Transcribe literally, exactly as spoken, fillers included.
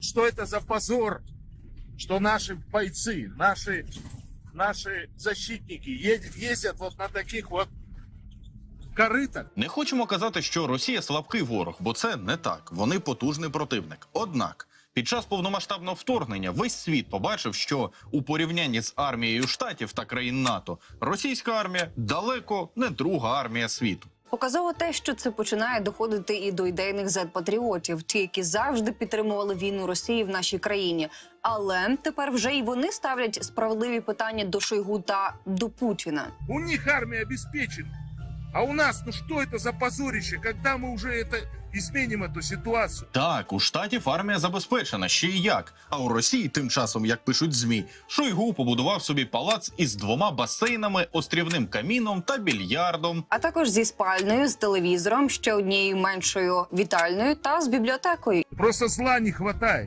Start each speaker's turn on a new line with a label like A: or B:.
A: что это за позор, что наши бойцы, наши, наши защитники е- ездят вот на таких вот корытах.
B: Не хочемо казати, що Росія слабкий ворог, бо це не так. Вони потужний противник. Однак, під час повномасштабного вторгнення весь світ побачив, що у порівнянні з армією Штатів та країн НАТО російська армія далеко не друга армія світу.
C: Показово те, що це починає доходити і до ідейних зет-патріотів, ті, які завжди підтримували війну Росії в нашій країні. Але тепер вже і вони ставлять справедливі питання до Шойгу та до Путіна.
A: У них армия обеспечена. А у нас, ну что это за позорище, когда мы уже это изменим эту ситуацию?
B: Так, у Штатів армія забезпечена, ще й як. А у Росії, тим часом, як пишуть ЗМІ, Шойгу побудував собі палац із двома басейнами, острівним каміном та більярдом.
C: А також зі спальнею, з телевізором, ще однією меншою вітальною та з бібліотекою.
A: Просто зла не хватает.